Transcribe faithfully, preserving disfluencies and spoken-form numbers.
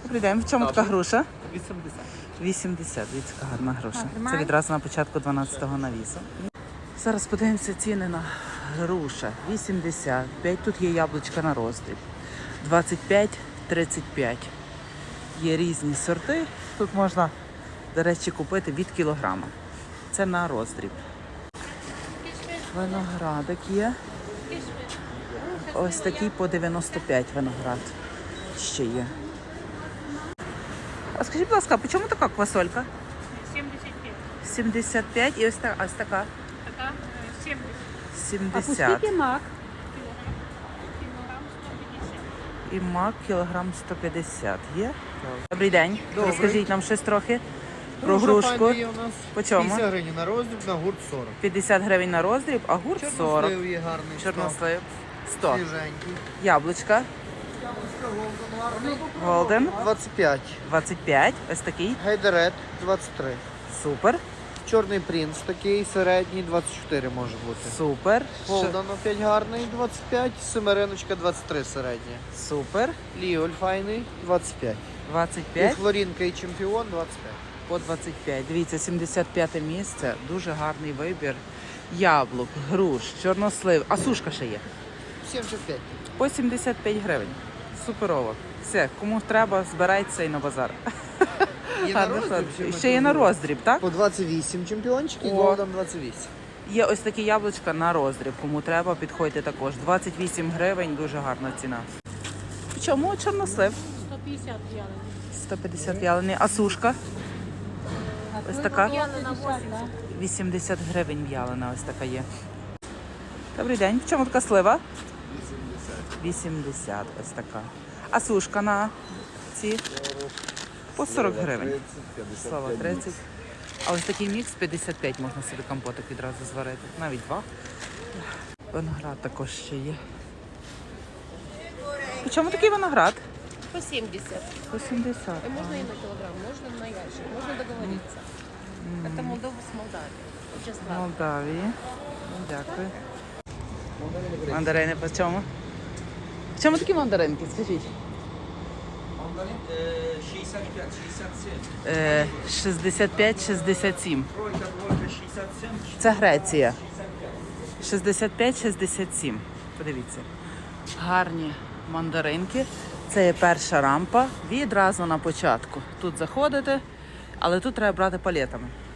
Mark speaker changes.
Speaker 1: Добрий день. В чому така груша?
Speaker 2: вісімдесят.
Speaker 1: вісімдесят. Дивіться, яка гарна груша.
Speaker 3: А,
Speaker 1: Це відразу на початку дванадцятого навісу. Зараз подивимося ціни на груша. вісімдесят п'ять. Тут є яблучка на роздріб. двадцять п'ять, тридцять п'ять. Є різні сорти. Тут можна, до речі, купити від кілограма. Це на роздріб. Виноградик є. Ось такий по дев'яносто п'ять виноград ще є. А скажіть, будь ласка, по чому така квасолька?
Speaker 3: сімдесят п'ять.
Speaker 1: сімдесят п'ять і ось така, ось така
Speaker 3: Така е, сімдесят.
Speaker 1: сімдесят.
Speaker 3: мак? Кілограм сто п'ятдесят.
Speaker 1: І мак кілограм сто п'ятдесят є. Добрий день.
Speaker 2: Добрий.
Speaker 1: Розкажіть нам щось трохи про
Speaker 2: Груша
Speaker 1: грушку.
Speaker 2: файна є у нас.
Speaker 1: По чому?
Speaker 2: п'ятдесят гривень на роздріб, на гурт сорок.
Speaker 1: п'ятдесят гривень на роздріб, а гурт сорок.
Speaker 2: Чорнослив є гарний.
Speaker 1: Чорнослив сто.
Speaker 2: Свіженький.
Speaker 1: Яблучка Голден
Speaker 2: двадцять п'ять.
Speaker 1: двадцять п'ять. Ось такий.
Speaker 2: Гайдерет двадцять три.
Speaker 1: Супер.
Speaker 2: Чорний принц такий середній двадцять чотири може бути.
Speaker 1: Супер.
Speaker 2: Голден опять гарний двадцять п'ять. Семериночка двадцять три середня.
Speaker 1: Супер.
Speaker 2: Ліоль файний двадцять п'ять.
Speaker 1: двадцять
Speaker 2: І
Speaker 1: п'ять.
Speaker 2: Флорінка і чемпіон двадцять п'ять.
Speaker 1: По двадцять п'ять. Дивіться, сімдесят п'яте місце. Дуже гарний вибір. Яблук, груш, чорнослив. А сушка ще є.
Speaker 2: сімдесят п'ять.
Speaker 1: По сімдесят п'ять гривень. Суперово. Все, кому треба, збирайтеся і на базар.
Speaker 2: Є на
Speaker 1: Гарно,
Speaker 2: роздріб,
Speaker 1: гарно.
Speaker 2: чи ми
Speaker 1: Ще є на
Speaker 2: торгуємо?
Speaker 1: роздріб, так?
Speaker 2: По двадцять вісім чемпіончик і
Speaker 1: О.
Speaker 2: Голден двадцять вісім.
Speaker 1: Є ось такі яблучка на роздріб. Кому треба, підходьте також. двадцять вісім гривень, дуже гарна ціна. Чому чорнослив?
Speaker 3: сто п'ятдесят в'ялений.
Speaker 1: сто п'ятдесят в'ялений. А сушка? Ось така?
Speaker 3: В'ялена вісімдесят.
Speaker 1: вісімдесят гривень в'ялена, ось така є. Добрий день. В чому така слива? вісімдесят, ось така. А сушка на ці? По сорок гривень. Слава, тридцять. А ось такий мікс п'ятдесят п'ять, можна собі компотик відразу зварити. Навіть два. Виноград також ще є. В чому такий виноград?
Speaker 3: По сімдесят.
Speaker 1: По сімдесят.
Speaker 3: И можно и на килограмм, можно на ящик, можно договориться. Это Молдова с Молдавией. Очень
Speaker 1: В
Speaker 3: слабо.
Speaker 1: Молдавії. Ну, дякую. Мандарини по чому? В чому такі мандаринки, скажіть?
Speaker 4: шістдесят п'ять шістдесят сім.
Speaker 1: Е, шістдесят п'ять шістдесят сім.
Speaker 4: Тройка, двойка, шістдесят сім.
Speaker 1: Це Греція. шістдесят п'ять шістдесят сім. Подивіться. Гарні мандаринки. Це є перша рампа. Відразу на початку. Тут заходите, але тут треба брати палетами.